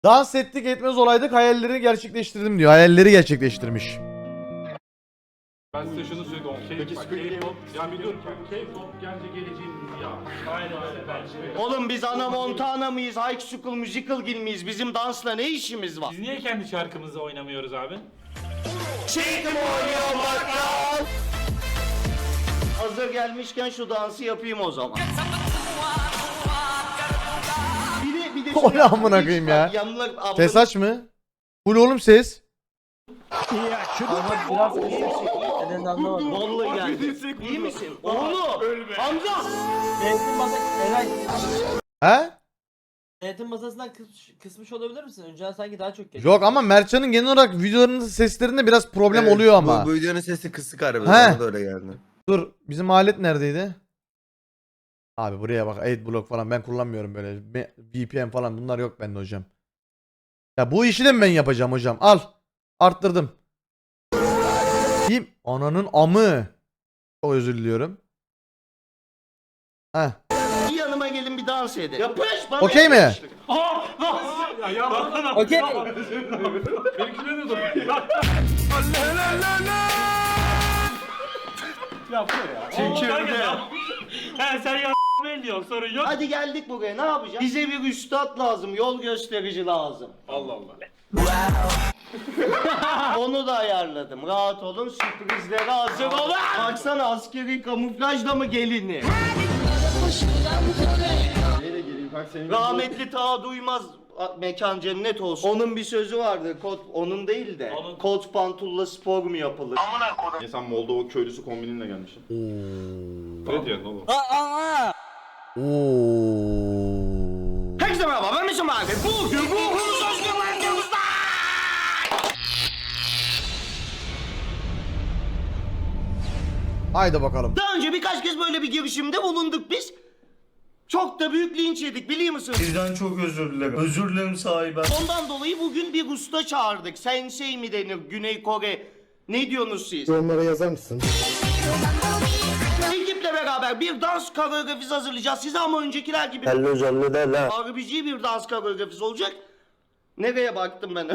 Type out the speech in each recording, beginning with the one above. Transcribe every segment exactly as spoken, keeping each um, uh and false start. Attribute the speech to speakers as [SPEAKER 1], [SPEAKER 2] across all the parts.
[SPEAKER 1] Dans ettik etmez olaydık hayalleri gerçekleştirdim diyor. Hayalleri gerçekleştirmiş.
[SPEAKER 2] Ben size şunu söyleyeyim. Peki K-pop, ya biliyorum K-pop bence geleceğimiz ya. Aynen öyle bence.
[SPEAKER 3] Oğlum biz Ana Montana mıyız? High School Musical gibi miyiz? Bizim dansla ne işimiz var?
[SPEAKER 2] Biz niye kendi şarkımızı oynamıyoruz abi?
[SPEAKER 3] Çekim oynuyor bakkal. Hazır gelmişken şu dansı yapayım o zaman. Bir de bir de
[SPEAKER 1] O ne amına koyayım ya?
[SPEAKER 3] Yanlar, abla-
[SPEAKER 1] Ses aç mı? Full oğlum ses.
[SPEAKER 4] Biraz neden anlamadım.
[SPEAKER 3] Vallahi geldi. İyi misin? Oğlum! Hamza!
[SPEAKER 4] Denetim masası Eray.
[SPEAKER 1] He?
[SPEAKER 4] Denetim masasından kıs, kısmış olabilir misin? Önceden sanki daha çok geliyor.
[SPEAKER 1] Yok ama Mertcan'ın genel olarak videolarının seslerinde biraz problem
[SPEAKER 5] Evet,
[SPEAKER 1] oluyor ama.
[SPEAKER 5] Bu, bu videonun sesi kısık harbi.
[SPEAKER 1] He.
[SPEAKER 5] Bana da öyle geldi.
[SPEAKER 1] Dur bizim alet neredeydi? Abi buraya bak adblock falan ben kullanmıyorum böyle. Me- V P N falan bunlar yok bende hocam. Ya bu işi de mi ben yapacağım hocam? Al. Arttırdım. Kim? Ananın amı. Çok özür diliyorum. Heh.
[SPEAKER 3] Yanıma gelin bir dans edin. Yapış bana.
[SPEAKER 1] Okey mi?
[SPEAKER 3] yapış.
[SPEAKER 2] Ya yapma.
[SPEAKER 4] Okey.
[SPEAKER 2] Benimkine de dur. Yapma ya.
[SPEAKER 3] Çekirde.
[SPEAKER 2] He sen ya diyorsun sorun yok.
[SPEAKER 3] Hadi geldik buraya ne yapacağız? Bize bir üstad lazım, yol gösterici lazım.
[SPEAKER 2] Allah Allah.
[SPEAKER 3] Onu da ayarladım. Rahat olun, sürprizlere hazır olun. Baksana askeri kamuflajla mı gelini? Rahmetli ta duymaz a- mekan cennet olsun. Onun bir sözü vardı. Kot onun değil de.
[SPEAKER 2] Onun-
[SPEAKER 3] Kot pantulla spor mu yapılır?
[SPEAKER 6] Ya sen Moldova köylüsü kombininle gelmişsin.
[SPEAKER 2] Ne diyorsun oğlum?
[SPEAKER 1] Oo.
[SPEAKER 3] Herkese merhaba ben Mesut abi. Bugün ruhumuz özgürlüğümüzde.
[SPEAKER 1] Haydi bakalım.
[SPEAKER 3] Daha önce birkaç kez böyle bir girişimde bulunduk biz. Çok da büyük linç yedik biliyor musunuz?
[SPEAKER 7] Sizden çok özür dilerim. Özür dilerim sahibi.
[SPEAKER 3] Ondan dolayı bugün bir usta çağırdık. Sensei mi denir Güney Kore? Ne diyorsunuz siz?
[SPEAKER 8] Yorumlara yazar mısın?
[SPEAKER 3] Ekiple beraber bir dans koreografisi hazırlayacağız size ama öncekiler gibi
[SPEAKER 8] Hello canlı de la.
[SPEAKER 3] R B G bir dans koreografisi olacak. Nereye baktım ben?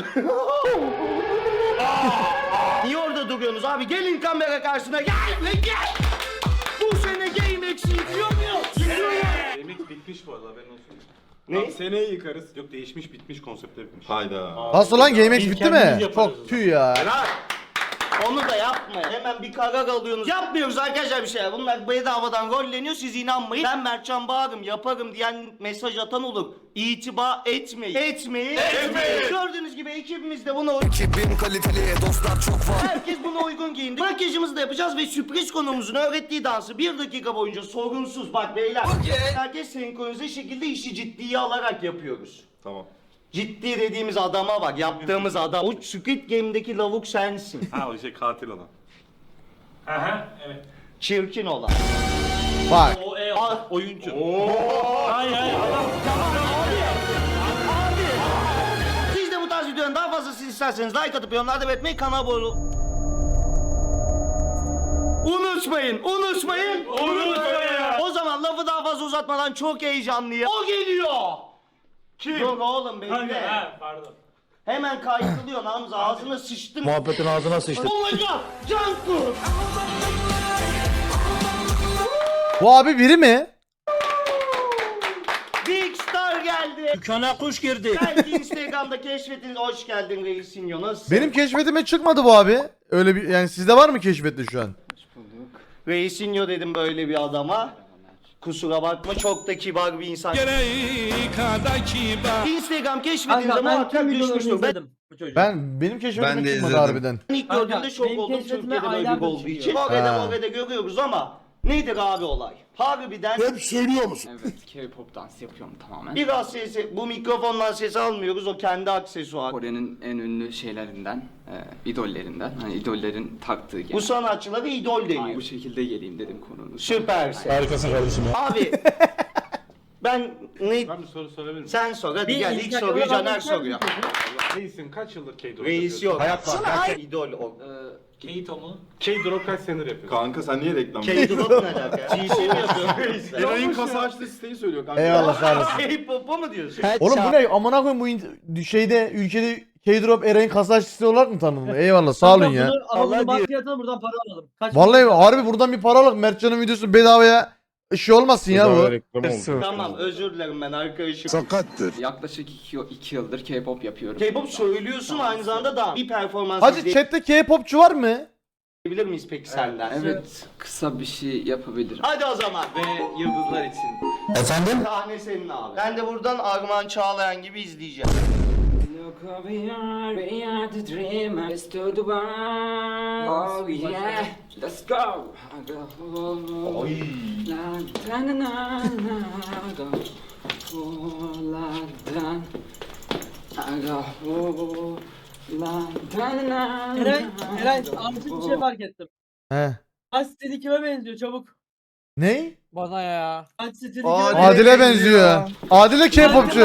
[SPEAKER 3] Niye orada duruyorsunuz abi? Gelin kamera karşısına gel ve gel! Bu sene Game X'i yıkıyor muyuz?
[SPEAKER 2] Yemek bitmiş bu arada haberin olsun.
[SPEAKER 3] Ne?
[SPEAKER 2] Seneye yıkarız. Yok değişmiş bitmiş konsepte bitmiş.
[SPEAKER 6] Hayda.
[SPEAKER 1] Nasıl lan GameX
[SPEAKER 2] Biz
[SPEAKER 1] bitti
[SPEAKER 2] kendimiz
[SPEAKER 1] mi?
[SPEAKER 2] yaparız o
[SPEAKER 1] Çok
[SPEAKER 2] zaman.
[SPEAKER 1] tüy ya.
[SPEAKER 3] Onu da yapmayın. Hemen bir karar alıyorsunuz. Yapmıyoruz arkadaşlar bir şey. Bunlar bedavadan rolleniyor. Siz inanmayın. Ben Mertcan Bağırım yaparım diyen mesaj atan olur. İtibar etmeyin. Etmeyin. Etmeyin. Gördüğünüz gibi ekibimiz de buna uygun.
[SPEAKER 5] Ekibim kaliteli, dostlar çok var.
[SPEAKER 3] Herkes buna uygun giyindi. Makyajımızı da yapacağız ve sürpriz konuğumuzun öğrettiği dansı bir dakika boyunca sorunsuz bak beyler. Herkes senkronize şekilde işi ciddiye alarak yapıyoruz.
[SPEAKER 6] Tamam.
[SPEAKER 3] Ciddi dediğimiz adama bak, yaptığımız adam. O Squid Game'deki lavuk sensin.
[SPEAKER 6] Ha o şey katil olan.
[SPEAKER 2] Aha evet.
[SPEAKER 3] Çirkin olan.
[SPEAKER 1] Bak.
[SPEAKER 2] O e
[SPEAKER 3] Al.
[SPEAKER 2] oyuncu. Hayır hayır adam.
[SPEAKER 3] Siz de bu tarz videoların daha fazlasını isterseniz like atıp yorumlarda belirtmeyi, kanala abone olun. Unutmayın, unutmayın.
[SPEAKER 2] Unutmayın.
[SPEAKER 3] O zaman lafı daha fazla uzatmadan çok heyecanlıyım. O geliyor. Kim? Dur oğlum
[SPEAKER 2] Kanka
[SPEAKER 3] bekle.
[SPEAKER 2] ha pardon.
[SPEAKER 3] Hemen kaykılıyorsun Hamza, ağzına sıçtın.
[SPEAKER 8] Muhabbetin ağzına sıçtı.
[SPEAKER 3] Oh my god, Canku.
[SPEAKER 1] Bu abi biri mi?
[SPEAKER 3] Big Star geldi.
[SPEAKER 7] Dükkana kuş girdi.
[SPEAKER 3] Belki Instagram'da keşfetiniz. Hoş geldin Reisinho, nasılsın?
[SPEAKER 1] Benim keşfetime çıkmadı bu abi. Öyle bir yani sizde var mı keşfette şu an?
[SPEAKER 3] Reisinho dedim böyle bir adama. Kusura bakma, çok da kibar bir insan. Instagram keşfetinize
[SPEAKER 4] Kanka ben
[SPEAKER 3] muhakkak
[SPEAKER 4] tüm videolarını
[SPEAKER 3] düşmüştür. Ben
[SPEAKER 4] izledim bu çocuğun.
[SPEAKER 1] Ben benim
[SPEAKER 5] Ben
[SPEAKER 1] keşfetime
[SPEAKER 5] de
[SPEAKER 1] çıkmadı
[SPEAKER 5] izledim.
[SPEAKER 1] harbiden.
[SPEAKER 3] ilk
[SPEAKER 4] Kanka,
[SPEAKER 3] gördüğümde şok
[SPEAKER 4] benim
[SPEAKER 3] oldum
[SPEAKER 4] keşfetime
[SPEAKER 3] Türkiye'de böyle bir
[SPEAKER 4] aylardır
[SPEAKER 3] olduğu için.
[SPEAKER 4] çıkıyor.
[SPEAKER 3] Kore'de
[SPEAKER 1] Ha.
[SPEAKER 3] More'de görüyoruz ama nedir abi olay? Harbiden
[SPEAKER 8] Hep söylüyor musun?
[SPEAKER 9] Evet, K-pop dans yapıyorum tamamen.
[SPEAKER 3] biraz sesi, bu mikrofondan ses almıyoruz, o kendi aksesuar.
[SPEAKER 9] Kore'nin en ünlü şeylerinden, e, idollerinden. Hani idollerin taktığı
[SPEAKER 3] Bu
[SPEAKER 9] genel.
[SPEAKER 3] sanatçılara idol
[SPEAKER 9] Ay,
[SPEAKER 3] deniyor.
[SPEAKER 9] bu şekilde geleyim dedim konunun.
[SPEAKER 3] Süpersin.
[SPEAKER 8] Harikasın kardeşim ya.
[SPEAKER 3] Abi ben ne...
[SPEAKER 2] Ben bir soru sorabilir miyim?
[SPEAKER 3] Sen sor hadi
[SPEAKER 4] Bir
[SPEAKER 3] gel, ilk
[SPEAKER 4] Instagram'a
[SPEAKER 3] soruyu Caner
[SPEAKER 4] bakar
[SPEAKER 3] soruyor.
[SPEAKER 4] mısın?
[SPEAKER 2] Reisin kaç yıldır K-pop
[SPEAKER 3] Reis yok.
[SPEAKER 8] Hayat var.
[SPEAKER 3] Sana idol o.
[SPEAKER 9] Ee,
[SPEAKER 2] Keito mu? K-Drop kaç senedir yapıyor?
[SPEAKER 6] Kanka sen niye reklam
[SPEAKER 3] K-Drop ne alaka? G C mi yapıyorsun?
[SPEAKER 6] Eray'ın kasa açtığı siteyi söylüyor kanka.
[SPEAKER 1] Eyvallah sağ olasın.
[SPEAKER 3] K-pop'a mı diyorsun?
[SPEAKER 1] Oğlum bu ne? Amına koyayım bu in- şeyde ülkede K-Drop Eren kasaççısı olarak mı tanındı? Eyvallah sağ olun ya.
[SPEAKER 4] Bunu, ama bunu baskıya atalım buradan para alalım. Kaç
[SPEAKER 1] Vallahi
[SPEAKER 4] para-
[SPEAKER 1] harbi buradan bir para alıp Mertcan'ın videosu bedavaya şey olmasın ya bu.
[SPEAKER 3] Tamam özür dilerim ben arkadaşım.
[SPEAKER 5] Sakattır.
[SPEAKER 9] Yaklaşık iki, iki yıldır K-pop yapıyorum.
[SPEAKER 3] K-pop söylüyorsun aynı zamanda da bir performans
[SPEAKER 1] Hacı chatte K-popçu var mı?
[SPEAKER 3] izleyebilir miyiz peki senden?
[SPEAKER 9] Evet, kısa bir şey yapabilirim.
[SPEAKER 3] Hadi o zaman.
[SPEAKER 9] Ve yıldızlar için.
[SPEAKER 5] Efendim?
[SPEAKER 3] Sahne senin abi. Ben de buradan Armağan Çağlayan gibi izleyeceğim.
[SPEAKER 9] Look who we are, we are the dreamers to the world. Oh yeah, let's go. Oy. La la la la la go. Oh la la. I go. Oh la la la.
[SPEAKER 4] Eray, Eray artık bir şey fark ettim.
[SPEAKER 1] He.
[SPEAKER 4] Kaç stili kime benziyor çabuk.
[SPEAKER 1] Ne?
[SPEAKER 4] Bana ya. Kaç stili kime
[SPEAKER 5] Adile
[SPEAKER 4] benziyor.
[SPEAKER 1] Adile benziyor. Adile K-popçu.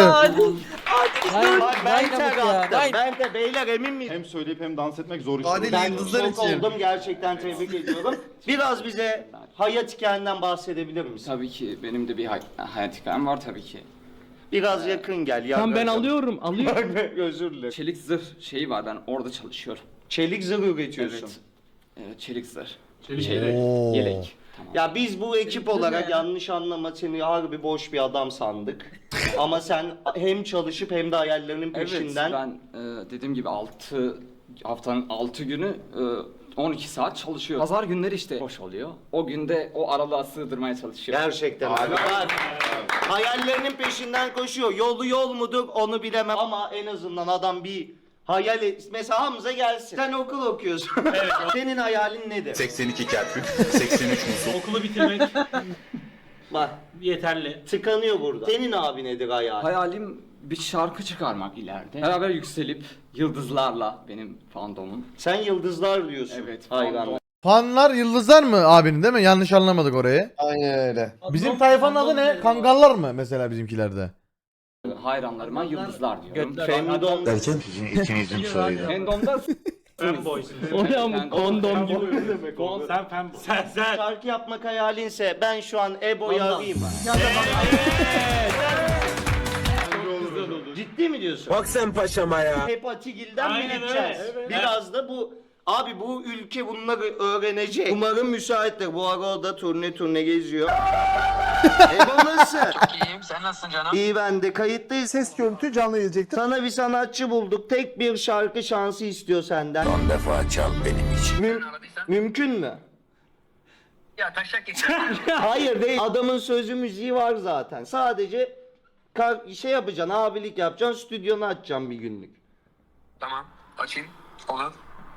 [SPEAKER 3] Bak ben tek attım. Ben de beyler emin miyim?
[SPEAKER 6] Hem söyleyip hem dans etmek zor iş.
[SPEAKER 5] Adile
[SPEAKER 3] Ben
[SPEAKER 5] yıldızlar
[SPEAKER 3] şok
[SPEAKER 5] için.
[SPEAKER 3] oldum gerçekten tebrik ediyorum. Biraz bize hayat hikayenden bahsedebilir misin?
[SPEAKER 9] Tabii ki benim de bir hay- hayat hikayem var tabii ki.
[SPEAKER 3] Biraz yakın gel.
[SPEAKER 4] Tamam ben alıyorum alıyorum.
[SPEAKER 3] Bak özür dilerim.
[SPEAKER 9] Çelik zırh şeyi var, ben orada çalışıyorum.
[SPEAKER 3] Çelik zırh üretiyorsun.
[SPEAKER 9] Evet. Evet, çelik zırh.
[SPEAKER 2] Çelik
[SPEAKER 9] Şey,
[SPEAKER 2] yelek.
[SPEAKER 1] Oo.
[SPEAKER 9] Yelek. Tamam.
[SPEAKER 3] Ya biz bu ekip
[SPEAKER 4] Çelik zırh
[SPEAKER 3] olarak
[SPEAKER 4] ne?
[SPEAKER 3] yanlış anlama seni harbi boş bir adam sandık. Ama sen hem çalışıp hem de hayallerinin peşinden.
[SPEAKER 9] Evet, ben e, dediğim gibi altı haftanın altı günü e, on iki saat çalışıyor. Pazar günleri işte boş oluyor. O günde o aralığa sığdırmaya çalışıyor.
[SPEAKER 3] Gerçekten abi. Bak, hayallerinin peşinden koşuyor. Yolu yol mudur onu bilemem ama en azından adam bir hayal et. Mesela Hamza gelsin. Sen okul okuyorsun. Senin hayalin nedir?
[SPEAKER 5] seksen iki Kerkük, seksen üç Musul.
[SPEAKER 2] Okulu bitirmek
[SPEAKER 3] Bak
[SPEAKER 2] yeterli.
[SPEAKER 3] tıkanıyor burada. Senin abi nedir hayal?
[SPEAKER 9] Hayalim bir şarkı çıkarmak ileride. Beraber yükselip yıldızlarla benim fandomum.
[SPEAKER 3] Sen yıldızlar diyorsun.
[SPEAKER 9] Evet,
[SPEAKER 3] Hayranlar.
[SPEAKER 9] fandom.
[SPEAKER 1] Fanlar yıldızlar mı abinin değil mi? Yanlış anlamadık orayı.
[SPEAKER 5] Aynen öyle.
[SPEAKER 1] Bizim tayfanın adı ne? Kangallar mı mesela bizimkilerde?
[SPEAKER 9] Hayranlarıma yıldızlar diyorum.
[SPEAKER 3] Femdom.
[SPEAKER 5] Derken? Sizin ikinizin soyadı.
[SPEAKER 9] Fandomda
[SPEAKER 2] Fanboy.
[SPEAKER 9] Oraya
[SPEAKER 2] Kondom gibi. Kon sen fanboy. Sen sen.
[SPEAKER 3] Şarkı yapmak hayalinse ben şu an Ebo'yu arayayım. Ciddi mi diyorsun?
[SPEAKER 8] Bak sen paşama ya.
[SPEAKER 3] Hep Atigil'den mi
[SPEAKER 2] Aynen
[SPEAKER 3] gideceğiz?
[SPEAKER 2] öyle, evet.
[SPEAKER 3] Biraz da bu abi bu ülke bunları öğrenecek. Umarım müsaittir. Bu ara o da turne turne geziyor. Ebo nasıl?
[SPEAKER 10] İyiyim, sen nasılsın canım?
[SPEAKER 3] İyi ben de kayıttayız.
[SPEAKER 5] Ses görüntü canlı gelecektir.
[SPEAKER 3] Sana bir sanatçı bulduk. Tek bir şarkı şansı istiyor senden.
[SPEAKER 5] Son defa çal benim için.
[SPEAKER 3] Müm- mümkün mü?
[SPEAKER 10] Ya taşak geçer.
[SPEAKER 3] Hayır değil. Adamın sözü müziği var zaten. Sadece kar- şey yapacaksın, abilik yapacaksın, stüdyonu açacaksın bir günlük.
[SPEAKER 10] Tamam, açayım. Olur.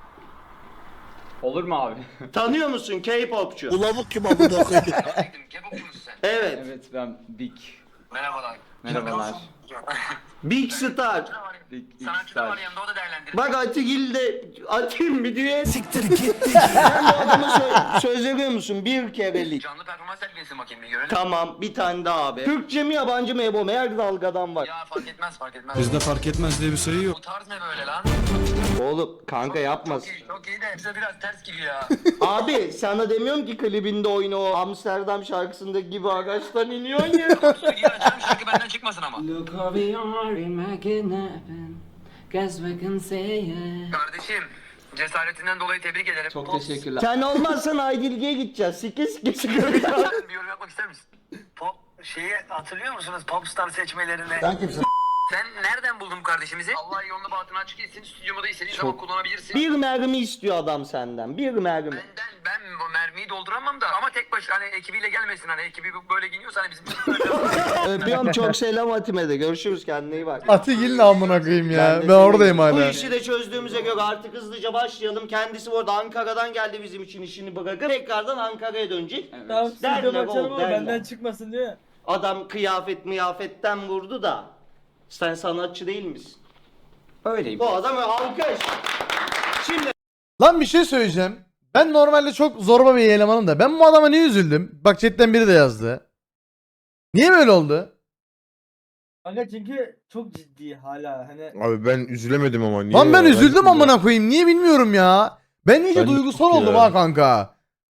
[SPEAKER 9] olur mu abi?
[SPEAKER 3] Tanıyor musun K-popçu?
[SPEAKER 5] Ulavuk kim amına koyayım?
[SPEAKER 10] Kebapçı mısın sen?
[SPEAKER 3] Evet.
[SPEAKER 9] Evet, ben Big.
[SPEAKER 10] Merhabalar.
[SPEAKER 9] Merhabalar.
[SPEAKER 3] Big Star.
[SPEAKER 9] Big, Big
[SPEAKER 10] Sanatçı da var
[SPEAKER 9] Star.
[SPEAKER 10] yanında, o da değerlendirir.
[SPEAKER 3] Bak Atigil de atayım bir düğün. Siktir git. Sen bu adama sö- söz veriyor musun? Bir kerelik.
[SPEAKER 10] Canlı performans sergilesin bakayım bir görelim.
[SPEAKER 3] Tamam bir tane daha abi. Türkçe mi yabancı mı Ebo? Her dalgadan var.
[SPEAKER 10] Ya fark etmez, fark etmez.
[SPEAKER 8] Bizde fark etmez diye bir sayı yok.
[SPEAKER 10] Bu tarz ne böyle lan?
[SPEAKER 3] Oğlum kanka yapmasın.
[SPEAKER 10] Çok iyi, çok iyi de bize biraz ters gibi ya.
[SPEAKER 3] Abi sana demiyorum ki klibinde oyna o Amsterdam şarkısındaki gibi ağaçtan iniyorsun ya.
[SPEAKER 10] Stüdyo açarım, şarkı benden çıkmasın ama.
[SPEAKER 9] Look who we are, making happen. Guess we can say it.
[SPEAKER 10] Kardeşim, cesaretinden dolayı tebrik ederim.
[SPEAKER 9] Çok
[SPEAKER 10] Pop-
[SPEAKER 9] teşekkürler.
[SPEAKER 3] Sen olmazsan Aydilge'ye gideceğiz. Sike sike sike.
[SPEAKER 10] Sen bir yorum yapmak ister misin? Pop şeyi hatırlıyor musunuz? Popstar seçmelerini.
[SPEAKER 5] Sen kimsin?
[SPEAKER 10] Sen nereden buldun bu kardeşimizi? Allah yolunu bahtını açık etsin. Stüdyomu da istediğin zaman kullanabilirsin.
[SPEAKER 3] Bir mermi istiyor adam senden. Bir mermi.
[SPEAKER 10] Benden ben o mermiyi dolduramam da ama tek baş hani ekibiyle gelmesin hani ekibi böyle giyiniyorsa hani bizim
[SPEAKER 3] Öpüyorum çok selam Atime de. Görüşürüz kendine iyi bak.
[SPEAKER 1] Atigil'le amına koyayım ya.
[SPEAKER 3] de
[SPEAKER 1] Ben oradayım
[SPEAKER 3] sevindim. Bu
[SPEAKER 1] hala.
[SPEAKER 3] işi de çözdüğümüze göre artık hızlıca başlayalım. Kendisi bu arada Ankara'dan geldi bizim için işini bırakıp tekrardan Ankara'ya dönecek.
[SPEAKER 9] Evet.
[SPEAKER 4] Tamam
[SPEAKER 3] Derler
[SPEAKER 4] stüdyomu açalım
[SPEAKER 3] oğlum,
[SPEAKER 4] ama
[SPEAKER 3] derler.
[SPEAKER 4] benden çıkmasın diyor ya.
[SPEAKER 3] Adam kıyafet miyafetten vurdu da. Sen sanatçı değil misin?
[SPEAKER 9] Öyleyim.
[SPEAKER 3] Bu adam alkış. Şimdi
[SPEAKER 1] Lan bir şey söyleyeceğim. Ben normalde çok zorba bir elemanım da. Ben bu adama niye üzüldüm? Bak chatten biri de yazdı. Niye böyle oldu?
[SPEAKER 4] Kanka çünkü çok ciddi hala hani.
[SPEAKER 5] Abi ben üzülemedim ama niye?
[SPEAKER 1] Lan ben
[SPEAKER 5] ya?
[SPEAKER 1] üzüldüm amına koyayım. Niye bilmiyorum ya. Ben iyice
[SPEAKER 8] Ben de
[SPEAKER 1] duygusal
[SPEAKER 8] çok
[SPEAKER 1] oldum
[SPEAKER 8] ya.
[SPEAKER 1] ha kanka.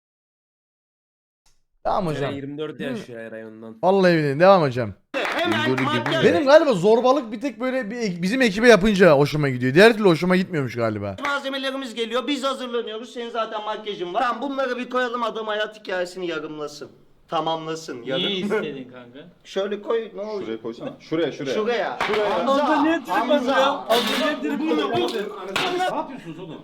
[SPEAKER 1] Tamam hocam.
[SPEAKER 8] yirmi dört yaşıyor her ay ondan.
[SPEAKER 1] Vallahi billahi devam hocam.
[SPEAKER 3] Hemen makyaj.
[SPEAKER 1] Benim galiba zorbalık bir tek böyle bir, bizim ekibe yapınca hoşuma gidiyor. Diğer türlü hoşuma gitmiyormuş galiba.
[SPEAKER 3] Malzemelerimiz geliyor. Biz hazırlanıyoruz. Senin zaten makyajın var. Tamam bunları bir koyalım, adam hayat hikayesini yarımlasın. Tamamlasın.
[SPEAKER 4] İyi
[SPEAKER 3] Yarım.
[SPEAKER 4] istedin kanka.
[SPEAKER 3] Şöyle koy, ne olur.
[SPEAKER 6] Şuraya koysana. Şuraya şuraya.
[SPEAKER 3] Şuraya.
[SPEAKER 4] Hamza niye trip atıyor? Hamza niye trip atıyor?
[SPEAKER 2] Ne yapıyorsunuz oğlum?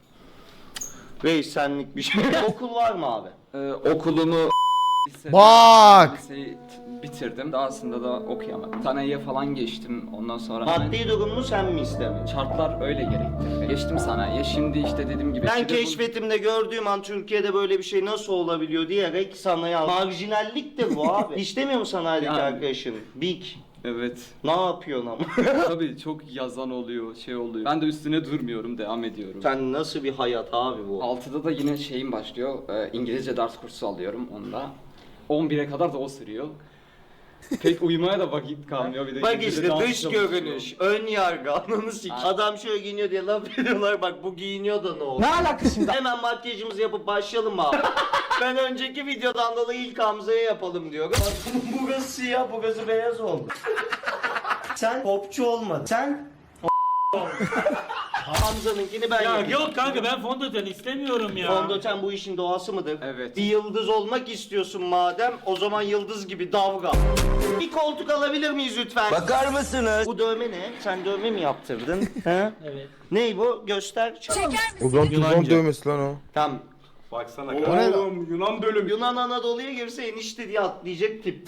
[SPEAKER 3] Reis senlik bir şey. Okul var mı abi?
[SPEAKER 9] Ee, okulumu
[SPEAKER 1] Bak!
[SPEAKER 9] liseyi t- bitirdim. Daha aslında da okuyamadım. Sanayiye falan geçtim. Ondan sonra
[SPEAKER 3] Maddi durumunu sen mi istemedin?
[SPEAKER 9] şartlar öyle gerekti. Geçtim sanayiye. Şimdi işte dediğim gibi.
[SPEAKER 3] Ben
[SPEAKER 9] bir de bu-
[SPEAKER 3] keşfetimde gördüğüm an Türkiye'de böyle bir şey nasıl olabiliyor diyerek sanayi al. Marjinalliktir bu abi. İstemiyor mu sanayideki
[SPEAKER 9] Yani.
[SPEAKER 3] arkadaşın? Big.
[SPEAKER 9] Evet.
[SPEAKER 3] Ne yapıyorsun ama?
[SPEAKER 9] Tabii çok yazan oluyor, şey oluyor. Ben de üstüne durmuyorum, devam ediyorum.
[SPEAKER 3] Sen nasıl bir hayat abi bu?
[SPEAKER 9] altıda da yine şeyim başlıyor. Ee, İngilizce ders kursu alıyorum onda. on bire kadar da o sürüyor. Pek uyumaya da vakit kalmıyor. Bir de
[SPEAKER 3] Bak
[SPEAKER 9] İngilizce
[SPEAKER 3] işte
[SPEAKER 9] dans
[SPEAKER 3] dış
[SPEAKER 9] çalışıyorum.
[SPEAKER 3] görünüş, ön yargı, ananı sik. Adam şöyle giyiniyor diye laf ediyorlar, bak bu giyiniyor da ne olur.
[SPEAKER 4] Ne alakası şimdi?
[SPEAKER 3] Hemen makyajımızı yapıp başlayalım abi. Ben önceki videodan dolayı ilk Hamza'ya yapalım diyorum. Bak burası siyah, burası beyaz oldu. Sen popçu olmadın. Sen Hamza'nınkini ben
[SPEAKER 11] Ya
[SPEAKER 3] yapayım.
[SPEAKER 11] yok kanka ben fondöten istemiyorum ya.
[SPEAKER 3] Fondöten bu işin doğası mıdır?
[SPEAKER 9] Evet.
[SPEAKER 3] Bir yıldız olmak istiyorsun madem, o zaman yıldız gibi davran. Bir koltuk alabilir miyiz lütfen?
[SPEAKER 5] Bakar mısınız?
[SPEAKER 3] Bu dövme ne? Sen dövme mi yaptırdın? He?
[SPEAKER 4] Evet.
[SPEAKER 3] Ney bu? Göster.
[SPEAKER 8] O zaman tuzon dövmesi lan o.
[SPEAKER 3] Tamam.
[SPEAKER 2] Baksana
[SPEAKER 1] ne
[SPEAKER 2] oğlum Yunan bölüm.
[SPEAKER 3] Yunan Anadolu'ya girse enişte diye atlayacak tip.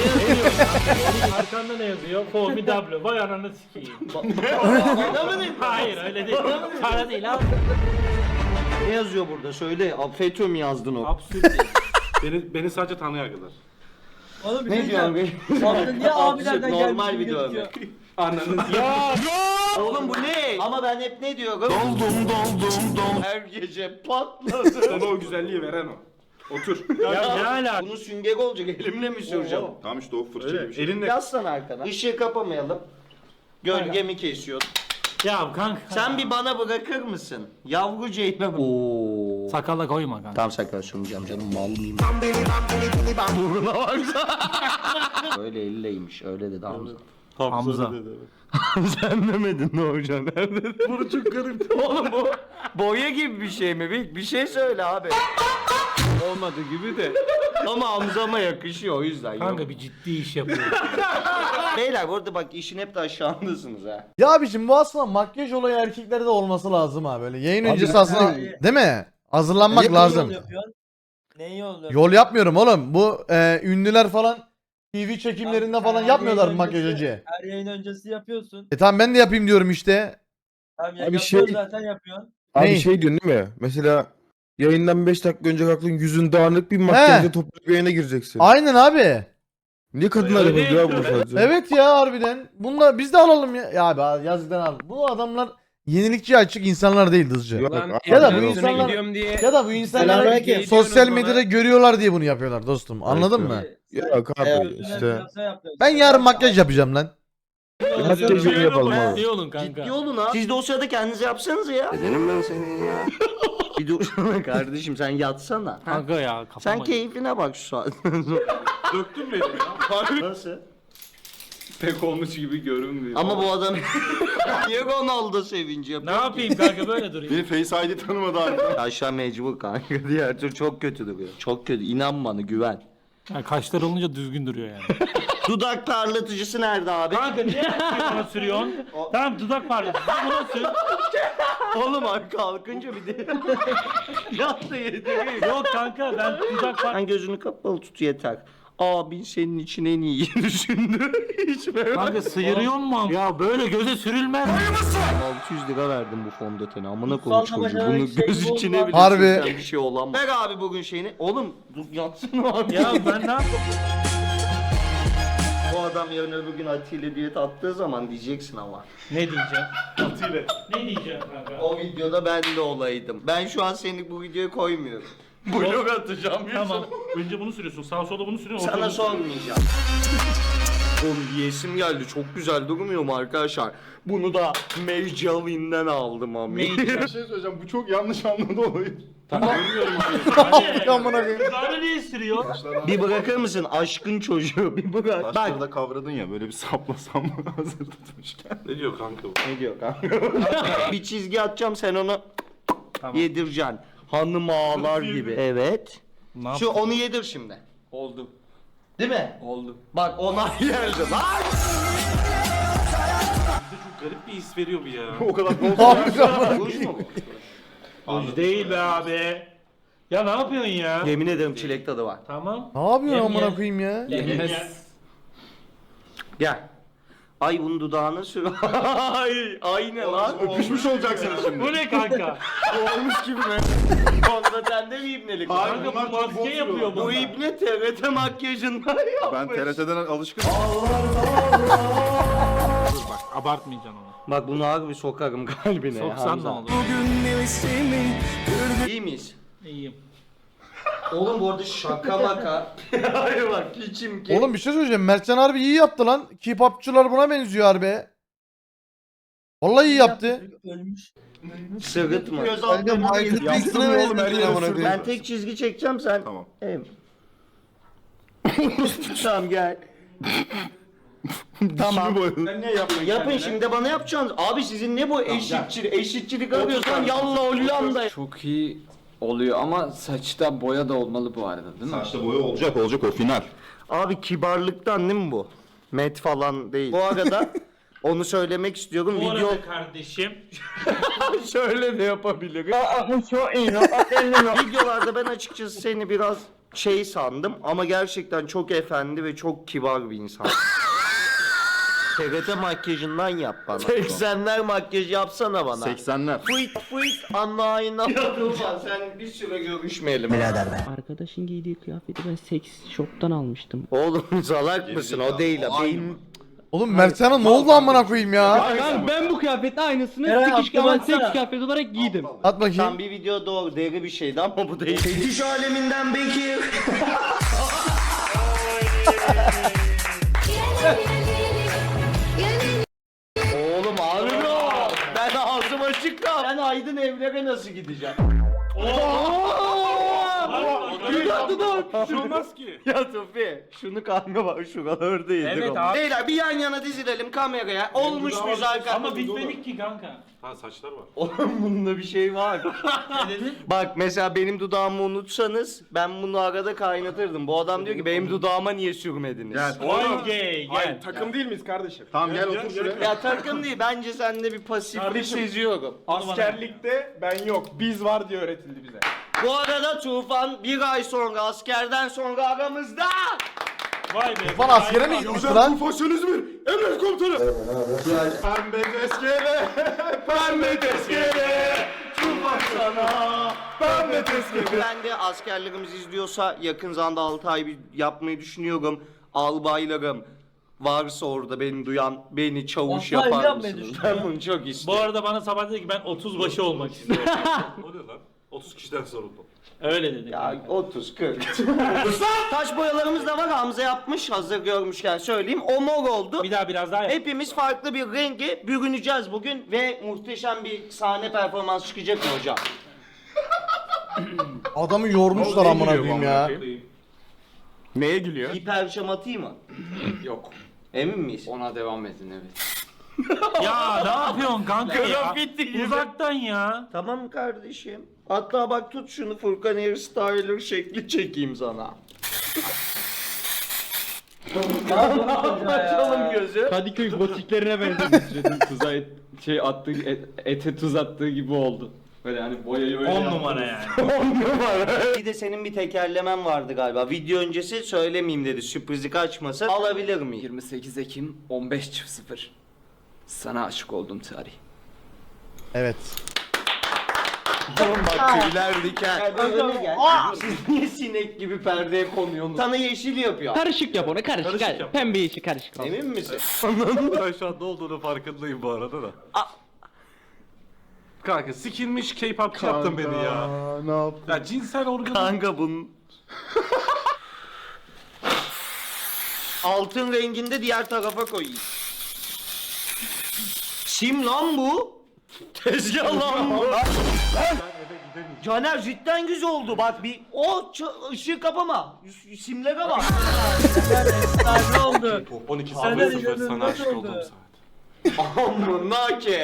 [SPEAKER 11] Arkanda ne yazıyor? Formidable. Vay ananı sikeyim.
[SPEAKER 3] Bana mı dedin?
[SPEAKER 11] Hayır öyle değil. Para değil abi.
[SPEAKER 3] Ne yazıyor burada? Söyle. FETÖ mü yazdın o?
[SPEAKER 11] Absürt değil.
[SPEAKER 2] Beni, beni sadece Tanrı yargılar.
[SPEAKER 4] Oğlum bir
[SPEAKER 3] Ne
[SPEAKER 4] şey
[SPEAKER 3] diyorsun
[SPEAKER 4] diyeceğim.
[SPEAKER 3] be?
[SPEAKER 4] Hamza niye abilerden gelmiş
[SPEAKER 3] Normal
[SPEAKER 4] gibi
[SPEAKER 3] bir dövme.
[SPEAKER 4] gözüküyor?
[SPEAKER 2] Ananı ya.
[SPEAKER 3] Oğlum bu ne? Ama ben hep ne diyorum? Doldum doldum dom. Her gece patladı.
[SPEAKER 2] Sana o güzelliği veren o. Otur.
[SPEAKER 11] Ya ne ala?
[SPEAKER 3] Bunun süngeri olacak, elimle mi süreceğim?
[SPEAKER 6] Tamam işte o fırça
[SPEAKER 2] Öyle.
[SPEAKER 6] gibi bir şey.
[SPEAKER 2] Elinle.
[SPEAKER 3] Yazsana arkana. Işığı kapamayalım. Gölgemi kesiyor.
[SPEAKER 11] Ya kanka.
[SPEAKER 3] Sen bir bana bırakır mısın? Yavru Ceylan. Oo.
[SPEAKER 11] Sakala koyma kanka.
[SPEAKER 3] Tam sakal sunacağım canım, mal mıyım? Buruna baksana. Öyle elleymiş, öyle dedi Hamza.
[SPEAKER 11] Hamza.
[SPEAKER 3] Sen demedin ne hocam? Nerede? Bunu çok garip. Oğlum bu boya gibi bir şey mi? Bir, bir şey söyle abi.
[SPEAKER 11] Olmadı gibi de.
[SPEAKER 3] Ama Hamza'ma yakışıyor o yüzden.
[SPEAKER 11] Kanka
[SPEAKER 3] yok.
[SPEAKER 11] bir ciddi iş yapıyor.
[SPEAKER 3] Beyler bu arada bak işin hep de aşağındasınız ha.
[SPEAKER 1] Ya abiciğim bu aslında makyaj olayı erkeklerde de olması lazım ha böyle. Yayın
[SPEAKER 8] Abi,
[SPEAKER 1] öncesi aslında
[SPEAKER 4] abi.
[SPEAKER 1] değil mi? Hazırlanmak
[SPEAKER 4] Neyi
[SPEAKER 1] lazım.
[SPEAKER 4] yol yapıyorsun? Neyi yol yapıyorsun?
[SPEAKER 1] Yol yapmıyorum oğlum. Bu e, ünlüler falan T V çekimlerinde
[SPEAKER 4] Abi,
[SPEAKER 1] falan
[SPEAKER 4] her
[SPEAKER 1] yapmıyorlar
[SPEAKER 4] yayın
[SPEAKER 1] makyaj
[SPEAKER 4] öncesi-
[SPEAKER 1] önce.
[SPEAKER 4] Her yayın öncesi yapıyorsun.
[SPEAKER 1] E tamam ben de yapayım diyorum işte.
[SPEAKER 4] Abi, ya
[SPEAKER 8] Abi
[SPEAKER 4] yapıyorsun
[SPEAKER 8] şey-
[SPEAKER 4] zaten yapıyorsun.
[SPEAKER 8] Abi
[SPEAKER 1] Ney?
[SPEAKER 8] şey diyorsun değil mi? Mesela yayından beş dakika önce kalktın yüzün dağınık bir makyajla toplu bir yayına gireceksin.
[SPEAKER 1] Aynen abi.
[SPEAKER 8] Niye kadınlar
[SPEAKER 11] Öyle
[SPEAKER 8] yapıyor ya
[SPEAKER 11] değil.
[SPEAKER 8] bunu sadece?
[SPEAKER 1] Evet ya harbiden. Bunlar biz de alalım ya. Ya abi yazıktan al. Bu adamlar yenilikçi açık insanlar değil hızcı.
[SPEAKER 8] Yok,
[SPEAKER 1] Ya da
[SPEAKER 8] abi,
[SPEAKER 1] bu
[SPEAKER 8] yok.
[SPEAKER 1] insanlar ya da bu insanlar
[SPEAKER 8] Selamünaleyküm.
[SPEAKER 1] sosyal medyada görüyorlar diye bunu yapıyorlar dostum. Anladın mı?
[SPEAKER 8] Yok abi işte.
[SPEAKER 1] Ben yarın makyaj yapacağım lan.
[SPEAKER 8] Makyajını yapalım abi.
[SPEAKER 11] Ciddi olun kanka.
[SPEAKER 3] Ciddi olun ha. Siz de o sırada kendinize yapsanız ya.
[SPEAKER 5] Dedim ben seni ya.
[SPEAKER 3] Bir dursana kardeşim, sen yatsana. Ha?
[SPEAKER 11] Kanka ya kafama.
[SPEAKER 3] Sen keyfine bak şu saat.
[SPEAKER 2] Döktün beni ya.
[SPEAKER 3] Nasıl?
[SPEAKER 9] Pek olmuş gibi görünmüyor.
[SPEAKER 3] Ama bu adam niye Ronaldo sevinci
[SPEAKER 11] Ne
[SPEAKER 3] yapıyor?
[SPEAKER 11] yapayım kanka böyle durayım.
[SPEAKER 6] Beni Face I D tanımadı abi.
[SPEAKER 3] Aşağı mecbur kanka, diğer türlü çok kötü duruyor. Çok kötü, inan bana, güven.
[SPEAKER 11] Yani kaşlar olunca düzgün duruyor yani.
[SPEAKER 3] Dudak parlatıcısı nerede abi?
[SPEAKER 11] Kanka niye buna sürüyorsun? Tamam dudak parlatıcı buna sür.
[SPEAKER 3] Oğlum abi kalkınca bir de yat da yedi.
[SPEAKER 11] Yok kanka ben dudak parlatıcı.
[SPEAKER 3] Sen gözünü kapalı tut yeter. Abin senin için en iyi düşündü. Hiç merak
[SPEAKER 11] Kanka sıyırıyor mu? Ya böyle göze sürülmez.
[SPEAKER 3] altı yüz lira verdim bu fondöteni. Amına
[SPEAKER 4] Kutsal
[SPEAKER 3] koyayım çocuğu.
[SPEAKER 4] Savaş'a
[SPEAKER 3] Bunu
[SPEAKER 4] şey
[SPEAKER 3] göz
[SPEAKER 4] bu
[SPEAKER 3] içine
[SPEAKER 4] olmaz.
[SPEAKER 3] bile
[SPEAKER 1] Harbi.
[SPEAKER 3] sürsen bir şey olamaz. Ver abi bugün şeyini. Oğlum dur yatsana abi.
[SPEAKER 11] Ya ben ne yapayım?
[SPEAKER 3] Bu adam yarın öbür gün Atilla diyet attığı zaman diyeceksin ama.
[SPEAKER 11] Ne diyeceğim? Atilla. Ne diyeceğim kanka?
[SPEAKER 3] O videoda ben de olaydım. Ben şu an seni bu videoya koymuyorum. Blog atacağım.
[SPEAKER 11] Tamam. Önce bunu sürüyorsun. Sağ sola bunu sürüyorsun. ortada
[SPEAKER 3] Sana
[SPEAKER 11] bunu sürüyorsun.
[SPEAKER 3] sormayacağım. Oğlum yesim geldi. Çok güzel durmuyor mu arkadaşlar? Bunu da Maybelline'den aldım abi.
[SPEAKER 6] Bir şey söyleyeceğim. Bu çok yanlış anladı olayı.
[SPEAKER 2] Bilmiyorum
[SPEAKER 1] Amına koyayım.
[SPEAKER 11] Dudağını niye ısırıyor?
[SPEAKER 3] Bir bırakır mısın aşkın çocuğu? Bir bırak. Bak.
[SPEAKER 6] Başları da kavradın ya böyle bir saplasam hazır tutmuşken.
[SPEAKER 2] Ne diyor kanka bu?
[SPEAKER 3] Ne diyor kanka? Bir çizgi atacağım sen onu yedireceksin. Hanım ağlar gibi. Evet. Şu onu yedir şimdi.
[SPEAKER 9] Oldu.
[SPEAKER 3] Değil mi?
[SPEAKER 9] Oldu.
[SPEAKER 3] Bak ona geldi lan.
[SPEAKER 2] Bize çok garip bir his veriyor bu ya.
[SPEAKER 6] O kadar
[SPEAKER 3] Ruj mu bu?
[SPEAKER 11] Ruj değil be abi. Ya ne yapıyorsun ya?
[SPEAKER 3] Yemin ederim çilek tadı var.
[SPEAKER 11] Tamam.
[SPEAKER 1] Ne yapıyorsun
[SPEAKER 11] Yem
[SPEAKER 1] amına
[SPEAKER 11] ye.
[SPEAKER 1] koyayım ya?
[SPEAKER 9] Yes.
[SPEAKER 3] Gel. Ay bunun dudağına sür. Ay, ay ne lan?
[SPEAKER 6] öpüşmüş olacaksınız şimdi.
[SPEAKER 11] Bu ne kanka?
[SPEAKER 3] Olmuş gibi mi? Onda sende mi ibnelik var?
[SPEAKER 11] Kanka bu maske yapıyor
[SPEAKER 3] Bu
[SPEAKER 11] bu.
[SPEAKER 3] ibne T R T makyajından yapmış.
[SPEAKER 6] Ben T R T'den alışkınım.
[SPEAKER 11] Bak abartmayacaksın onu.
[SPEAKER 3] Bak bunu harbi sokarım kalbine.
[SPEAKER 11] Soksan ne olur?
[SPEAKER 3] İyi miyiz?
[SPEAKER 11] İyiyim.
[SPEAKER 3] Oğlum bu arada şaka maka. Hayır bak içim ki.
[SPEAKER 1] Oğlum bir şey söyleyeceğim. Mertcan harbi iyi yaptı lan. K-popçular buna benziyor harbi. Vallahi iyi yaptı.
[SPEAKER 4] Ölmüş.
[SPEAKER 3] Sırıtma. Göz
[SPEAKER 8] Kanka
[SPEAKER 3] altlarına
[SPEAKER 8] Michael
[SPEAKER 3] yedim.
[SPEAKER 8] Jackson'a
[SPEAKER 6] Yaptın mı oğlum, her
[SPEAKER 8] benziyor
[SPEAKER 6] yere
[SPEAKER 8] amına
[SPEAKER 6] sürdün.
[SPEAKER 8] koyayım.
[SPEAKER 3] Ben tek çizgi çekeceğim sen.
[SPEAKER 6] Tamam.
[SPEAKER 3] Em. Tamam gel. Tamam.
[SPEAKER 6] Sen niye yaptın?
[SPEAKER 3] Yapın şimdi de bana yapacaksınız. Abi sizin ne bu eşitçilik eşitçilik arıyorsan yalla Hollanda.
[SPEAKER 9] Çok iyi oluyor ama saçta boya da olmalı bu arada değil mi?
[SPEAKER 6] Saçta boya olacak olacak o final.
[SPEAKER 3] Abi kibarlıktan değil mi bu? Met falan değil. Bu arada onu söylemek istiyorum.
[SPEAKER 11] Bu
[SPEAKER 3] Video
[SPEAKER 11] arada kardeşim.
[SPEAKER 3] şöyle de yapabilirim. Videolarda ben açıkçası seni biraz şey sandım ama gerçekten çok efendi ve çok kibar bir insan. T R T makyajından yap bana. seksenler makyaj yapsana bana.
[SPEAKER 6] seksenler.
[SPEAKER 3] Fıt fıt anlayına. Ya sen bir süre görüşmeyelim.
[SPEAKER 12] Arkadaşın giydiği kıyafeti ben seks shop'tan almıştım.
[SPEAKER 3] Oğlum salak mısın o değil ha. Benim...
[SPEAKER 1] Oğlum Mertcan'a ne oldu amına koyayım ya?
[SPEAKER 12] Ben, ben bu kıyafetin aynısını
[SPEAKER 4] Eren,
[SPEAKER 12] sikiş
[SPEAKER 4] aklıma
[SPEAKER 12] ama
[SPEAKER 4] atsana.
[SPEAKER 12] seks kıyafeti olarak giydim.
[SPEAKER 1] At
[SPEAKER 3] Tam
[SPEAKER 1] bakayım.
[SPEAKER 3] bir video doğru deri bir şeydi ama bu değil. Fetiş aleminden Bekir. Oğlum ağrıyor. Ben ağzım açık kal. Ben Aydın evlere nasıl gideceğim? Dudak dudak.
[SPEAKER 2] Bir şey olmaz ki.
[SPEAKER 3] Ya Tufi şunu kanka var şuralarda yedik.
[SPEAKER 11] Evet
[SPEAKER 3] ama.
[SPEAKER 11] abi.
[SPEAKER 3] Beyler bir yan yana dizilelim kameraya. Olmuş muyuz arkadaşlar?
[SPEAKER 11] Ama bitmedik ki kanka.
[SPEAKER 2] Ha saçlar var.
[SPEAKER 3] Oğlum bunda bir şey var.
[SPEAKER 11] Ne dedin?
[SPEAKER 3] Bak mesela benim dudağımı unutsanız ben bunu arada kaynatırdım. Bu adam diyor ki benim dudağıma niye sürmediniz?
[SPEAKER 6] Gel.
[SPEAKER 11] Oğlum gay gel.
[SPEAKER 6] Takım değil miyiz kardeşim? Tamam gel otur şuraya.
[SPEAKER 3] Ya takım değil bence sende bir pasiflik
[SPEAKER 11] Kardeşim.
[SPEAKER 3] seziyorum.
[SPEAKER 6] Askerlikte ben yok. Biz var diye öğretildi bize.
[SPEAKER 3] Bu arada Tufan bir ay sonra askerden sonra aramızda.
[SPEAKER 11] Vay be.
[SPEAKER 1] Lan askere mi gitmişti lan?
[SPEAKER 6] Tufan İzmir. Emret komutanım. Pembe tezkere. Pembe tezkere. Tufan sana. Pembe tezkere.
[SPEAKER 3] Ben de askerlerimiz izliyorsa yakın zamanda altı ay bir yapmayı düşünüyorum. Albaylarım varsa orada beni duyan beni çavuş
[SPEAKER 4] Altı ay
[SPEAKER 3] yapar
[SPEAKER 4] yapmayı
[SPEAKER 3] mısınız?
[SPEAKER 4] düşünüyor.
[SPEAKER 3] Ben bunu çok
[SPEAKER 11] Bu
[SPEAKER 3] istiyorum.
[SPEAKER 11] arada bana sabah dedi ki ben otuz başı olmak istiyorum.
[SPEAKER 2] O ne lan? otuz kişiden sorumlu.
[SPEAKER 11] Öyle dedi.
[SPEAKER 3] Ya otuz kırk. Taş boyalarımız da var Hamza yapmış hazır görmüşken söyleyeyim. O mor oldu.
[SPEAKER 11] Bir daha biraz daha yap.
[SPEAKER 3] Hepimiz farklı bir rengi bürüneceğiz bugün ve muhteşem bir sahne performans çıkacak mı hocam?
[SPEAKER 1] Adamı yormuşlar amına koyayım ya.
[SPEAKER 6] Neye gülüyor?
[SPEAKER 3] Bir perşem atayım mı?
[SPEAKER 9] Yok.
[SPEAKER 3] Emin miyiz?
[SPEAKER 9] Ona devam edin evet.
[SPEAKER 11] Ya ne yapıyorsun kanka ya?
[SPEAKER 3] Grafiti gibi.
[SPEAKER 11] Uzaktan ya.
[SPEAKER 3] Tamam kardeşim. Hatta bak tut şunu Furkan Hairstyler şekli çekeyim sana. Açalım gözü.
[SPEAKER 12] Kadıköy botiklerine benzedim. Tuza et, şey attığı et, ete tuz attığı gibi oldu. Böyle hani boyayı öyle
[SPEAKER 11] on
[SPEAKER 12] yaptım.
[SPEAKER 11] numara yani.
[SPEAKER 3] Bir de senin bir tekerlemen vardı galiba. Video öncesi söylemeyeyim dedi. Sürprizi kaçmasın. Alabilir miyim?
[SPEAKER 9] yirmi sekiz Ekim on beş sıfır. Sana aşık oldum tarih.
[SPEAKER 1] Evet.
[SPEAKER 3] Bak tüyler diken. Önüne gel. Siz niye sinek gibi perdeye konuyorsunuz? Sana yeşil yapıyor.
[SPEAKER 12] Karışık yap onu karışık.
[SPEAKER 11] Karışık
[SPEAKER 12] karışık
[SPEAKER 11] yap.
[SPEAKER 12] Pembe yeşil karışık.
[SPEAKER 3] Emin misin?
[SPEAKER 2] Ben şu an ne olduğunu farkındayım bu arada da. Kanka sikilmiş K-popçu yaptın beni ya.
[SPEAKER 6] Ne yaptın?
[SPEAKER 2] Ya cinsel organı.
[SPEAKER 3] Kanka bunun... Altın renginde diğer tarafa koyayım. Sim lan bu. Tezgah lan bu. Caner cidden güzel oldu. Bak bir o ç- ışığı kapama. Y- Simlere bak.
[SPEAKER 4] Ne oldu?
[SPEAKER 2] on iki
[SPEAKER 4] Sen
[SPEAKER 2] sıfır
[SPEAKER 4] de
[SPEAKER 2] sıfır sana
[SPEAKER 4] nasıl
[SPEAKER 2] aşık
[SPEAKER 4] oldu?
[SPEAKER 2] olduğum saat.
[SPEAKER 3] Amına ki.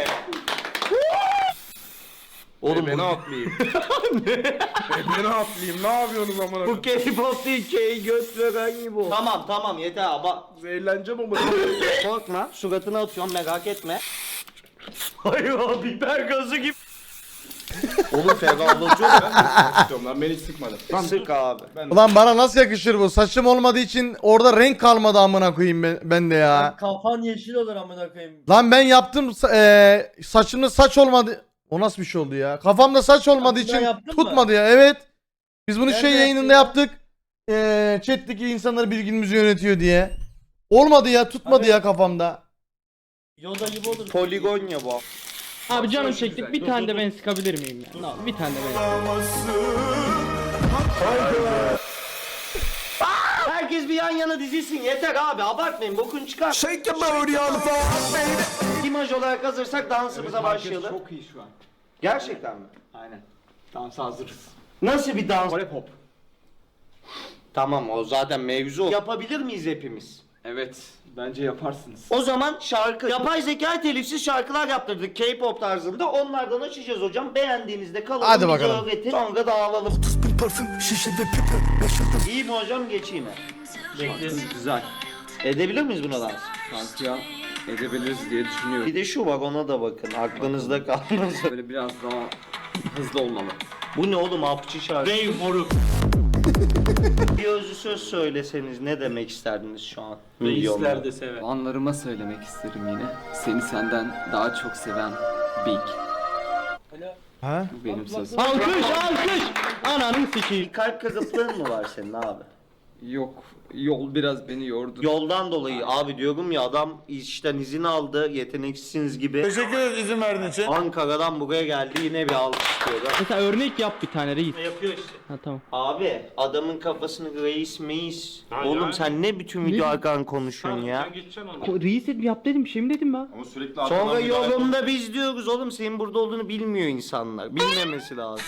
[SPEAKER 3] Oğlum
[SPEAKER 8] Beni
[SPEAKER 3] bu,
[SPEAKER 8] atlayayım. Beni atlayayım. Ne yapıyorsunuz amına
[SPEAKER 3] bu K-pop değil K göt veren gibi oldu. Tamam tamam yeter abi.
[SPEAKER 8] Eğleneceğim ama.
[SPEAKER 3] Korkma suratına atıyorum merak etme. Hayır o biber gazı gibi. Oğlum ferahlatıyorum.
[SPEAKER 6] Sıkıyorum lan beni hiç sıkmadı.
[SPEAKER 3] Sık abi.
[SPEAKER 1] Ulan bana nasıl yakışır bu? Saçım olmadığı için orada renk kalmadı amına koyayım ben, ben de ya.
[SPEAKER 4] Kafan yeşil olur amına koyayım.
[SPEAKER 1] Lan ben yaptım eee saçımda saç olmadı. O nasıl bir şey oldu ya? Kafamda saç olmadığı
[SPEAKER 4] Sen bunu
[SPEAKER 1] için
[SPEAKER 4] yaptın mı?
[SPEAKER 1] tutmadı ya. Evet. Biz bunu
[SPEAKER 4] Nerede
[SPEAKER 1] şey yayınında
[SPEAKER 4] yaptın
[SPEAKER 1] yaptık. Eee chat'teki insanlar bilgimizi yönetiyor diye. Olmadı ya, tutmadı
[SPEAKER 4] Abi-
[SPEAKER 1] ya kafamda.
[SPEAKER 4] Yoda gibi olur.
[SPEAKER 3] Poligon ya bu.
[SPEAKER 12] Abi canım çektik. Bir tane de ben sıkabilir miyim ya? No, bir tane de ben.
[SPEAKER 3] Herkes bir yan yana dizilsin yeter abi abartmayın bokun çıkar.
[SPEAKER 5] Shake your booty on the floor, baby.
[SPEAKER 3] İmaj olarak hazırsak dansımıza başlayalım.
[SPEAKER 12] Çok iyi şu an.
[SPEAKER 3] Gerçekten mi?
[SPEAKER 12] Aynen. Dansa hazırız.
[SPEAKER 3] Nasıl bir dans?
[SPEAKER 12] Kore pop.
[SPEAKER 3] Tamam o zaten mevzu o. Yapabilir miyiz hepimiz?
[SPEAKER 12] Evet. Bence yaparsınız.
[SPEAKER 3] O zaman şarkı. Yapay zeka telifsiz şarkılar yaptırdık K-pop tarzında. Onlardan açacağız hocam. Beğendiğinizde kalalım.
[SPEAKER 1] Hadi
[SPEAKER 3] bize
[SPEAKER 1] bakalım.
[SPEAKER 3] öğretin. Sonra dağılalım. İyi mi hocam geçeyim mi?
[SPEAKER 12] Güzel.
[SPEAKER 3] Edebilir miyiz buna dans?
[SPEAKER 12] Sanki ya edebiliriz diye düşünüyorum.
[SPEAKER 3] Bir de şu var ona da bakın. Aklınızda kalmasın.
[SPEAKER 12] Böyle biraz daha hızlı olmalı.
[SPEAKER 3] Bu ne oğlum hapçı şarkı?
[SPEAKER 2] Rey moruk.
[SPEAKER 3] Bir özlü söz söyleseniz ne demek isterdiniz şu an?
[SPEAKER 2] Reisler de sever.
[SPEAKER 12] Fanlarıma söylemek isterim yine. Seni senden daha çok seven Big.
[SPEAKER 1] Ha?
[SPEAKER 12] Bu benim sözüm.
[SPEAKER 3] Alkış alkış! Ananı sikeyim. Kalp kırıklığın mı var senin abi?
[SPEAKER 12] Yok. Yol biraz beni yordu.
[SPEAKER 3] Yoldan dolayı abi diyorum ya adam işten izin aldı yeteneksizsiniz gibi.
[SPEAKER 5] Teşekkür ederiz izin verdiğin için.
[SPEAKER 3] Ankara'dan buraya geldi yine bir alkış diyorlar.
[SPEAKER 12] Mesela örnek yap bir tane reis.
[SPEAKER 2] Yapıyor işte.
[SPEAKER 12] Ha tamam.
[SPEAKER 3] Abi adamın kafasını reis meis.
[SPEAKER 2] Ha,
[SPEAKER 3] Oğlum
[SPEAKER 2] yani.
[SPEAKER 3] sen ne bütün video arkadan konuşuyorsun ya?
[SPEAKER 2] Sen geçeceksin onu.
[SPEAKER 12] Reis dedim yap dedim şey mi dedim ben?
[SPEAKER 6] Ama sürekli
[SPEAKER 3] Sonra
[SPEAKER 6] arkadan bir ayak-
[SPEAKER 3] yolunda biz diyoruz oğlum senin burada olduğunu bilmiyor insanlar. Bilmemesi lazım.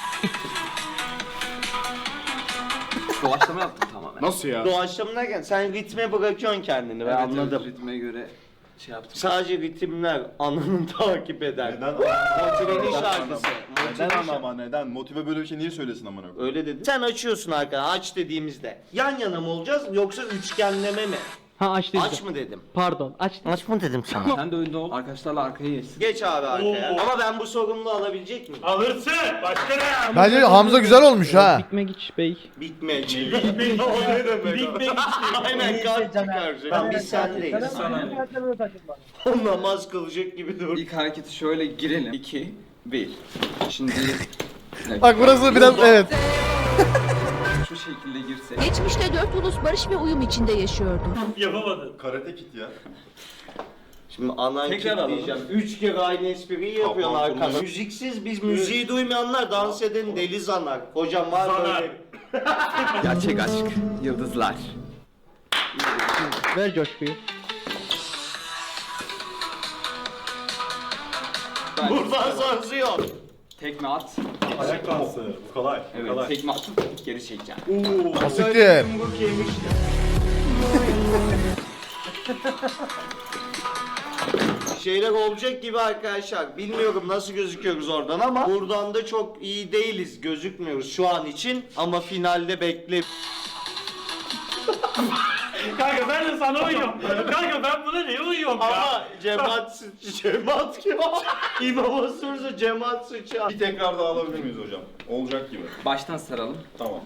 [SPEAKER 12] Doğaçlama yaptım tamamen.
[SPEAKER 6] Nasıl ya?
[SPEAKER 3] Doğaçlama derken sen ritme bırakıyorsun kendini ben
[SPEAKER 12] Evet,
[SPEAKER 3] anladım.
[SPEAKER 12] evet, ritme göre şey yaptım.
[SPEAKER 3] Sadece ritimler anını takip eder.
[SPEAKER 6] Neden?
[SPEAKER 3] Motive'nin şarkısı.
[SPEAKER 6] Neden
[SPEAKER 3] Motive
[SPEAKER 6] ama neden? Motive böyle bir şey niye söylesin amına koyayım?
[SPEAKER 3] Öyle dedi. Sen açıyorsun arkadan aç dediğimizde. Yan yana mı olacağız yoksa üçgenleme mi?
[SPEAKER 12] Ha aç dedim.
[SPEAKER 3] Aç mı dedim?
[SPEAKER 12] Pardon aç.
[SPEAKER 3] Aç mı dedim sana?
[SPEAKER 12] Sen de önde ol. Arkadaşlarla arkaya geçsin.
[SPEAKER 3] Geç abi arkaya.
[SPEAKER 2] Oo.
[SPEAKER 3] Ama ben bu sorumluluğu alabilecek miyim?
[SPEAKER 2] Alırsın. Başka ne?
[SPEAKER 1] Bence Hamza güzel olmuş ha.
[SPEAKER 12] Big Magic Bey.
[SPEAKER 3] Big Match.
[SPEAKER 2] Big Bang. Big Bang.
[SPEAKER 3] Aynen kalp çıkaracak. Tamam biz sendeyiz. O namaz kılacak gibi dur.
[SPEAKER 12] İlk hareketi şöyle girelim. iki, bir. Şimdi
[SPEAKER 1] Bak burası biraz evet.
[SPEAKER 12] şu şekilde girsek.
[SPEAKER 13] Geçmişte dört ulus barış ve uyum içinde yaşıyordu.
[SPEAKER 2] Yapamadın.
[SPEAKER 6] Karate kit ya.
[SPEAKER 3] Şimdi anan
[SPEAKER 12] Tekrar alalım.
[SPEAKER 3] diyeceğim. Üç kere aynı espriyi yapıyorsun
[SPEAKER 6] Kapan
[SPEAKER 3] arkada.
[SPEAKER 6] kurulu.
[SPEAKER 3] Müziksiz biz müziği duymayanlar dans eden deli zanar. Hocam var
[SPEAKER 2] Zanar.
[SPEAKER 3] böyle.
[SPEAKER 12] Gerçek aşk. Yıldızlar. Ver coşkuyu.
[SPEAKER 3] Buradan sonrası yok.
[SPEAKER 12] Tekme at.
[SPEAKER 6] Ayak dansı. Bu kolay. Bu
[SPEAKER 12] Evet,
[SPEAKER 6] kolay.
[SPEAKER 12] tekme atıp geri çekeceğim.
[SPEAKER 1] Basiktir.
[SPEAKER 3] Yumruk yemişti. Şeyler olacak gibi arkadaşlar. Bilmiyorum nasıl gözüküyoruz oradan ama buradan da çok iyi değiliz. Gözükmüyoruz şu an için ama finalde bekle.
[SPEAKER 2] Kanka ben de sana uyuyorum. Kanka ben buna niye uyuyorum ya?
[SPEAKER 3] Ama cemaat sıç, cemaat kim? İmama sorsa cemaat sıçı.
[SPEAKER 6] Bir tekrar daha alabilir miyiz hocam? Olacak gibi.
[SPEAKER 12] Baştan saralım.
[SPEAKER 6] Tamam.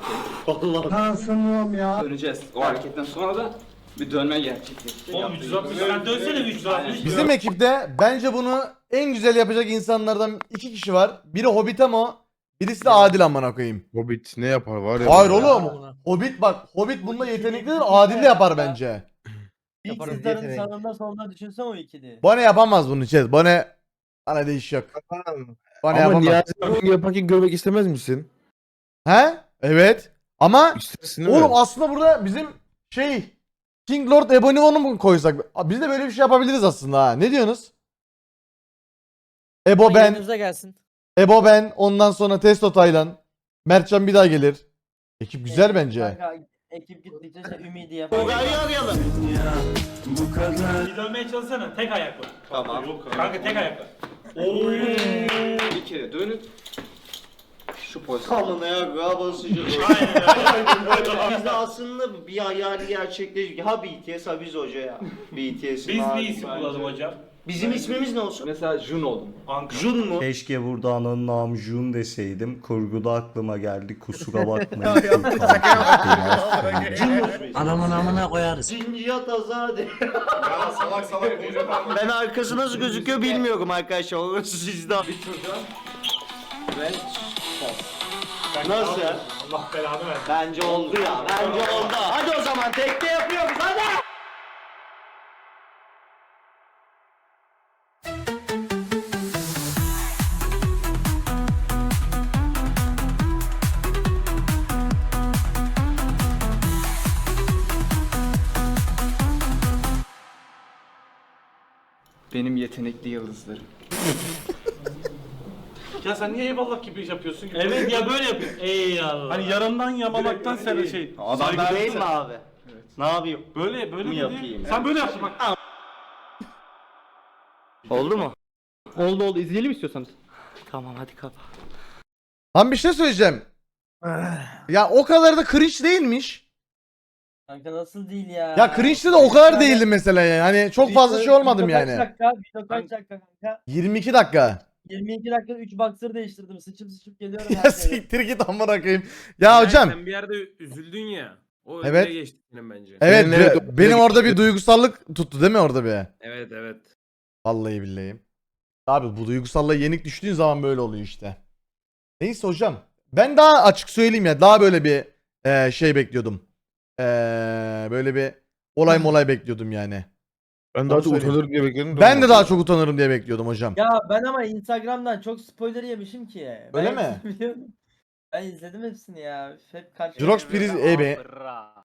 [SPEAKER 3] Allah.
[SPEAKER 12] Döneceğiz. O hareketten sonra da bir dönme gerçekleşecek.
[SPEAKER 2] Oğlum üç yüz altmış sen dönsene üç yüz altmış.
[SPEAKER 1] Bizim ekipte bence bunu en güzel yapacak insanlardan iki kişi var. Biri Hobbitamo, birisi de Adil amına koyayım.
[SPEAKER 8] Hobbit ne yapar var ya.
[SPEAKER 1] Hayır oğlum. Hobbit bak, Hobbit bunda yeteneklidir, Adil de yapar bence.
[SPEAKER 4] İlk sizlerin sağında solunda düşünsene o ikili.
[SPEAKER 1] Bone yapamaz bunu Çez. Bone bana değiş yok. Bone
[SPEAKER 8] Ama
[SPEAKER 1] yapamaz.
[SPEAKER 8] Niyazi'yi bunu yaparken görmek istemez misin?
[SPEAKER 1] He? Evet. Ama
[SPEAKER 8] İstersin değil
[SPEAKER 1] oğlum
[SPEAKER 8] mi?
[SPEAKER 1] aslında burada bizim şey King Lord Ebonimo'nu mu koysak? Abi biz de böyle bir şey yapabiliriz aslında ha. Ne diyorsunuz? Ebo ben,
[SPEAKER 4] Yanınıza gelsin.
[SPEAKER 1] Ebo ben, ondan sonra Testo Taylan. Mertcan bir daha gelir. Ekip güzel
[SPEAKER 4] Ee,
[SPEAKER 1] bence.
[SPEAKER 4] Kanka, ekip gittikçe şey, Ümidi yapalım.
[SPEAKER 3] Tugay'ı arayalım.
[SPEAKER 11] Bir dönmeye çalışsana. Tek ayakla.
[SPEAKER 3] Tamam.
[SPEAKER 11] Kanka tek ayakla.
[SPEAKER 12] Bir kere dönüp şu pozisyon.
[SPEAKER 3] Kalın ayağa basacağız. Biz de aslında bir hayali gerçekleştik. Ha B T S ha biz hoca ya. B T S'in
[SPEAKER 11] Biz
[SPEAKER 3] hali
[SPEAKER 11] bir isim
[SPEAKER 3] bence.
[SPEAKER 11] bulalım hocam.
[SPEAKER 3] Bizim ismimiz ne olsun?
[SPEAKER 12] Mesela Jun oldum.
[SPEAKER 11] Ankara.
[SPEAKER 3] Jun mu?
[SPEAKER 7] Keşke burada ananın namı Jun deseydim. Kurguda aklıma geldi. Kusura bakmayın.
[SPEAKER 3] Adamın amına koyarız. Cinciyat azade.
[SPEAKER 6] Ya salak salak konuşma.
[SPEAKER 3] Ben arkası nasıl gözüküyor bilmiyorum arkadaşlar. Orası sizde.
[SPEAKER 12] Bir turda ve
[SPEAKER 3] Nasıl?
[SPEAKER 11] Allah belanı versin.
[SPEAKER 3] Bence oldu ya. Bence oldu. Hadi o zaman tekte yapıyoruz hadi.
[SPEAKER 12] benim yetenekli yıldızlarım.
[SPEAKER 2] Ya sen niye eyvallah gibi iş yapıyorsun ki?
[SPEAKER 11] Evet ya böyle yapıyor. Eyvallah.
[SPEAKER 2] Hani yarandan yamamaktan sen şey.
[SPEAKER 3] Adam
[SPEAKER 2] saygı
[SPEAKER 3] değil mi
[SPEAKER 2] duysa.
[SPEAKER 3] abi? Ne yapayım?
[SPEAKER 2] Böyle böyle
[SPEAKER 3] Mi
[SPEAKER 2] mi
[SPEAKER 3] yapayım?
[SPEAKER 2] yapayım? Sen böyle yaptın bak.
[SPEAKER 3] Oldu mu?
[SPEAKER 12] Oldu oldu izleyelim istiyorsanız.
[SPEAKER 3] Tamam hadi kapat.
[SPEAKER 1] Lan bir şey söyleyeceğim. Ya o kadar da cringe değilmiş.
[SPEAKER 4] Kanka nasıl değil ya?
[SPEAKER 1] Ya cringe'de de o kadar değildi mesela yani. Hani çok fazla şey olmadım
[SPEAKER 4] Video
[SPEAKER 1] yani.
[SPEAKER 4] Kaç dakika? Video kaç dakika kanka?
[SPEAKER 1] yirmi iki dakika.
[SPEAKER 4] yirmi iki dakikada üç boxer değiştirdim. Sıçıp sıçıp geliyorum.
[SPEAKER 1] Ya
[SPEAKER 4] her yere.
[SPEAKER 1] siktir git amına koyayım. Ya hocam.
[SPEAKER 14] Sen bir yerde üzüldün ya. O
[SPEAKER 1] Evet.
[SPEAKER 14] öyle geçti senin bence.
[SPEAKER 1] Evet
[SPEAKER 8] Benim evet,
[SPEAKER 1] be- benim orada bir duygusallık tuttu değil mi orada bir?
[SPEAKER 14] Evet evet.
[SPEAKER 1] Vallahi billahi. Abi bu duygusallığa yenik düştüğün zaman böyle oluyor işte. Neyse hocam. Ben daha açık söyleyeyim ya. Daha böyle bir eee, şey bekliyordum. Eee, böyle bir olay molay bekliyordum yani.
[SPEAKER 8] Ben daha çok
[SPEAKER 1] söyleyeyim.
[SPEAKER 8] utanırım diye bekledim.
[SPEAKER 1] Ben de daha çok utanırım diye bekliyordum hocam.
[SPEAKER 4] Ya ben ama Instagram'dan çok spoiler yemişim ki.
[SPEAKER 1] Öyle
[SPEAKER 4] Ben
[SPEAKER 1] mi?
[SPEAKER 4] hepsini biliyorum. Ben izledim hepsini ya. Hep kaç
[SPEAKER 1] Jirox Priz Ebe.